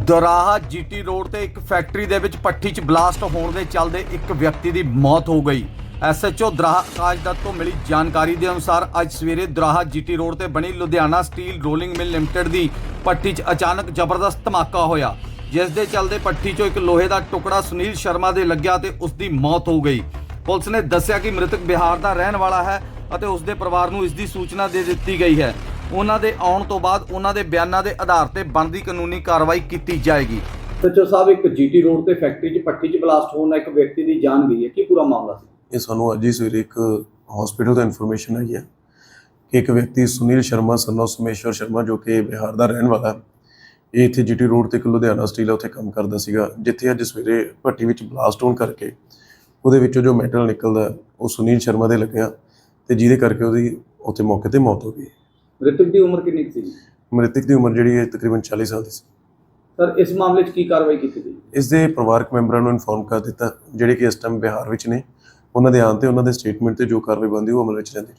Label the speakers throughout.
Speaker 1: ਦਰਾਹਾ GT road ਤੇ ਇੱਕ factory ਦੇ ਵਿੱਚ ਭੱਠੀ 'ਚ ਬਲਾਸਟ ਹੋਣ ਦੇ ਚੱਲਦੇ ਇੱਕ ਵਿਅਕਤੀ ਦੀ ਮੌਤ ਹੋ ਗਈ। ਐਸਐਚਓ ਦਰਾਹਾ ਆਕਾਸ਼ ਦੱਤ ਤੋਂ ਮਿਲੀ ਜਾਣਕਾਰੀ ਦੇ ਅਨੁਸਾਰ ਅੱਜ ਸਵੇਰੇ ਦਰਾਹਾ ਜੀਟੀ ਰੋਡ ਤੇ ਬਣੀ Ludhiana steel rolling mill limited ਦੀ ਭੱਠੀ 'ਚ ਅਚਾਨਕ ਜ਼ਬਰਦਸਤ ਧਮਾਕਾ ਹੋਇਆ, ਜਿਸ ਦੇ ਚੱਲਦੇ ਭੱਠੀ 'ਚੋਂ ਇੱਕ ਲੋਹੇ ਦਾ ਟੁਕੜਾ ਸੁਨੀਲ ਸ਼ਰਮਾ ਦੇ ਲੱਗਿਆ ਤੇ ਉਸ ਦੀ ਮੌਤ ਹੋ ਗਈ। ਪੁਲਿਸ ਨੇ ਦੱਸਿਆ ਕਿ ਮ੍ਰਿਤਕ ਬਿਹਾਰ ਦਾ ਰਹਿਣ ਵਾਲਾ ਹੈ ਅਤੇ ਉਸ ਦੇ ਪਰਿਵਾਰ ਨੂੰ ਇਸ ਦੀ ਸੂਚਨਾ ਦੇ ਦਿੱਤੀ ਗਈ ਹੈ। ਉਹਨਾਂ ਦੇ ਆਉਣ ਤੋਂ ਬਾਅਦ ਉਹਨਾਂ ਦੇ ਬਿਆਨਾਂ ਦੇ ਆਧਾਰ ਤੇ ਬਣਦੀ ਕਾਨੂੰਨੀ ਕਾਰਵਾਈ ਕੀਤੀ ਜਾਏਗੀ।
Speaker 2: ਸੱਚੋ ਸਾਹਿਬ, ਇੱਕ ਜੀਟੀ ਰੋਡ ਤੇ ਫੈਕਟਰੀ 'ਚ ਭੱਠੀ 'ਚ ਬਲਾਸਟ ਹੋਣ ਨਾਲ ਇੱਕ ਵਿਅਕਤੀ ਦੀ ਜਾਨ ਗਈ ਹੈ। ਕੀ ਪੂਰਾ ਮਾਮਲਾ ਸੀ?
Speaker 3: ਇਹ ਸਾਨੂੰ ਅੱਜ ਹੀ ਸਵੇਰੇ ਇੱਕ ਹਸਪੀਟਲ ਤੋਂ ਇਨਫੋਰਮੇਸ਼ਨ ਆਈ ਹੈ ਕਿ ਇੱਕ ਵਿਅਕਤੀ ਸੁਨੀਲ ਸ਼ਰਮਾ ਸਨ ਆਫ ਸਮੇਸ਼ਵਰ ਸ਼ਰਮਾ, ਜੋ ਕਿ ਬਿਹਾਰ ਦਾ ਰਹਿਣ ਵਾਲਾ ਹੈ, ਇਹ ਇੱਥੇ ਜੀਟੀ ਰੋਡ ਤੇ ਇੱਕ ਲੁਧਿਆਣਾ ਸਟੀਲ ਉੱਥੇ ਕੰਮ ਕਰਦਾ ਸੀਗਾ, ਜਿੱਥੇ ਅੱਜ ਸਵੇਰੇ ਭੱਠੀ ਵਿੱਚ ਬਲਾਸਟ ਹੋਣ ਕਰਕੇ ਉਹਦੇ ਵਿੱਚੋਂ ਜੋ ਮੈਟਲ ਨਿਕਲਦਾ ਉਹ ਸੁਨੀਲ ਸ਼ਰਮਾ ਦੇ ਲੱਗਿਆ ਤੇ ਜਿਹਦੇ ਕਰਕੇ ਉਹਦੀ ਉੱਥੇ ਮੌਕੇ ਤੇ ਮੌਤ ਹੋ ਗਈ।
Speaker 2: ਮ੍ਰਿਤਕ ਦੀ ਉਮਰ ਕਿੰਨੀ ਸੀ?
Speaker 3: ਮ੍ਰਿਤਕ ਦੀ ਉਮਰ ਜਿਹੜੀ ਹੈ ਤਕਰੀਬਨ 40 ਸਾਲ ਦੀ ਸੀ।
Speaker 2: ਸਰ, ਇਸ ਮਾਮਲੇ 'ਚ ਕੀ ਕਾਰਵਾਈ ਕੀਤੀ ਗਈ?
Speaker 3: ਇਸ ਦੇ ਪਰਿਵਾਰਕ ਮੈਂਬਰਾਂ ਨੂੰ ਇਨਫੋਰਮ ਕਰ ਦਿੱਤਾ, ਜਿਹੜੇ ਕਿ ਇਸ ਟਾਈਮ ਬਿਹਾਰ ਵਿੱਚ ਨੇ। ਉਹਨਾਂ ਦੇ ਆਉਣ ਤੇ ਉਹਨਾਂ ਦੇ ਸਟੇਟਮੈਂਟ ਤੇ ਜੋ ਕਾਰਵਾਈ ਬਣਦੀ ਉਹ ਅਮਲ ਵਿੱਚ ਰਹਿੰਦੀ।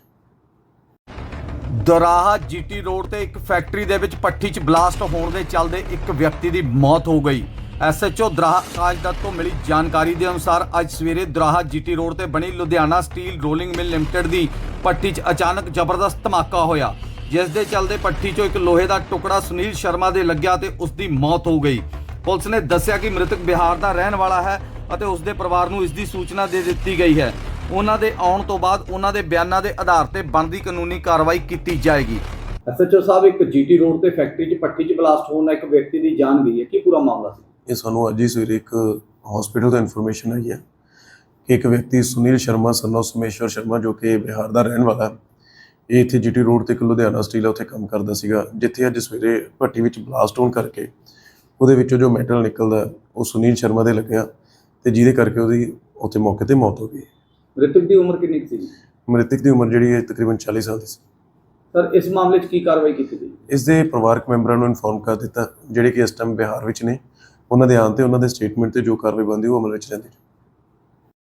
Speaker 1: ਦਰਾਹਾ ਜੀਟੀ ਰੋਡ ਤੇ ਇੱਕ ਫੈਕਟਰੀ ਦੇ ਵਿੱਚ ਭੱਠੀ 'ਚ ਬਲਾਸਟ ਹੋਣ ਦੇ ਚੱਲਦੇ ਇੱਕ ਵਿਅਕਤੀ ਦੀ ਮੌਤ ਹੋ ਗਈ। ਐਸਐਚਓ ਦਰਾਹਾ ਆਕਾਸ਼ ਦੱਤ ਤੋਂ ਮਿਲੀ ਜਾਣਕਾਰੀ ਦੇ ਅਨੁਸਾਰ ਅੱਜ ਸਵੇਰੇ ਦਰਾਹਾ ਜੀਟੀ ਰੋਡ ਤੇ ਬਣੀ Ludhiana steel rolling mill limited ਦੀ ਭੱਠੀ 'ਚ ਅਚਾਨਕ ਜ਼ਬਰਦਸਤ ਧਮਾਕਾ ਹੋਇਆ, ਜਿਸ ਦੇ ਚੱਲਦੇ ਭੱਠੀ 'ਚੋਂ ਇੱਕ ਲੋਹੇ ਦਾ ਟੁਕੜਾ ਸੁਨੀਲ ਸ਼ਰਮਾ ਦੇ ਲੱਗਿਆ ਤੇ ਉਸ ਦੀ ਮੌਤ ਹੋ ਗਈ। ਪੁਲਿਸ ਨੇ ਦੱਸਿਆ ਕਿ ਮ੍ਰਿਤਕ ਬਿਹਾਰ ਦਾ ਰਹਿਣ ਵਾਲਾ ਹੈ ਅਤੇ ਉਸ ਦੇ ਪਰਿਵਾਰ ਨੂੰ ਇਸ ਦੀ ਸੂਚਨਾ ਦੇ ਦਿੱਤੀ ਗਈ ਹੈ। ਉਹਨਾਂ ਦੇ ਆਉਣ ਤੋਂ ਬਾਅਦ ਉਹਨਾਂ ਦੇ ਬਿਆਨਾਂ ਦੇ ਆਧਾਰ ਤੇ ਬਣਦੀ ਕਾਨੂੰਨੀ ਕਾਰਵਾਈ ਕੀਤੀ ਜਾਏਗੀ।
Speaker 2: ਐਸਐਚਓ ਸਾਹਿਬ, ਇੱਕ ਜੀਟੀ ਰੋਡ ਤੇ ਫੈਕਟਰੀ 'ਚ ਭੱਠੀ 'ਚ ਬਲਾਸਟ ਹੋਣ ਨਾਲ ਇੱਕ ਵਿਅਕਤੀ ਦੀ ਜਾਨ ਗਈ ਹੈ। ਕੀ ਪੂਰਾ ਮਾਮਲਾ ਸੀ?
Speaker 3: ਇਹ ਸਾਨੂੰ ਅੱਜ ਹੀ ਸਵੇਰੇ ਇੱਕ ਹਸਪੀਟਲ ਤੋਂ ਇਨਫੋਰਮੇਸ਼ਨ ਆਈ ਹੈ ਕਿ ਇੱਕ ਵਿਅਕਤੀ ਸੁਨੀਲ ਸ਼ਰਮਾ ਸਨ ਆਫ ਸਮੇਸ਼ਵਰ ਸ਼ਰਮਾ, ਜੋ ਕਿ ਬਿਹਾਰ ਦਾ ਰਹਿਣ ਵਾਲਾ ਹੈ, ਇਹ ਇੱਥੇ ਜੀਟੀ ਰੋਡ ਤੇ ਇੱਕ ਲੁਧਿਆਣਾ ਸਟੀਲ ਉੱਥੇ ਕੰਮ ਕਰਦਾ ਸੀਗਾ, ਜਿੱਥੇ ਅੱਜ ਸਵੇਰੇ ਭੱਠੀ ਵਿੱਚ ਬਲਾਸਟ ਹੋਣ ਕਰਕੇ ਉਹਦੇ ਵਿੱਚੋਂ ਜੋ ਮੈਟਲ ਨਿਕਲਦਾ ਉਹ ਸੁਨੀਲ ਸ਼ਰਮਾ ਦੇ ਲੱਗਿਆ ਤੇ ਜਿਹਦੇ ਕਰਕੇ ਉਹਦੀ ਉੱਥੇ ਮੌਕੇ ਤੇ ਮੌਤ ਹੋ ਗਈ।
Speaker 2: ਮ੍ਰਿਤਕ ਦੀ ਉਮਰ ਕਿੰਨੀ ਸੀ?
Speaker 3: ਮ੍ਰਿਤਕ ਦੀ ਉਮਰ ਜਿਹੜੀ ਹੈ ਤਕਰੀਬਨ 40 ਸਾਲ ਦੀ ਸੀ।
Speaker 2: ਸਰ, ਇਸ ਮਾਮਲੇ 'ਚ ਕੀ ਕਾਰਵਾਈ ਕੀਤੀ ਗਈ?
Speaker 3: ਇਸ ਦੇ ਪਰਿਵਾਰਕ ਮੈਂਬਰਾਂ ਨੂੰ ਇਨਫੋਰਮ ਕਰ ਦਿੱਤਾ, ਜਿਹੜੇ ਕਿ ਇਸ ਟਾਈਮ ਬਿਹਾਰ ਵਿੱਚ ਨੇ। ਉਹਨਾਂ ਦੇ ਆਉਣ ਤੇ ਉਹਨਾਂ ਦੇ ਸਟੇਟਮੈਂਟ ਤੇ ਜੋ ਕਾਰਵਾਈ ਬਣਦੀ ਉਹ ਅਮਲ ਵਿੱਚ ਰਹਿੰਦੀ।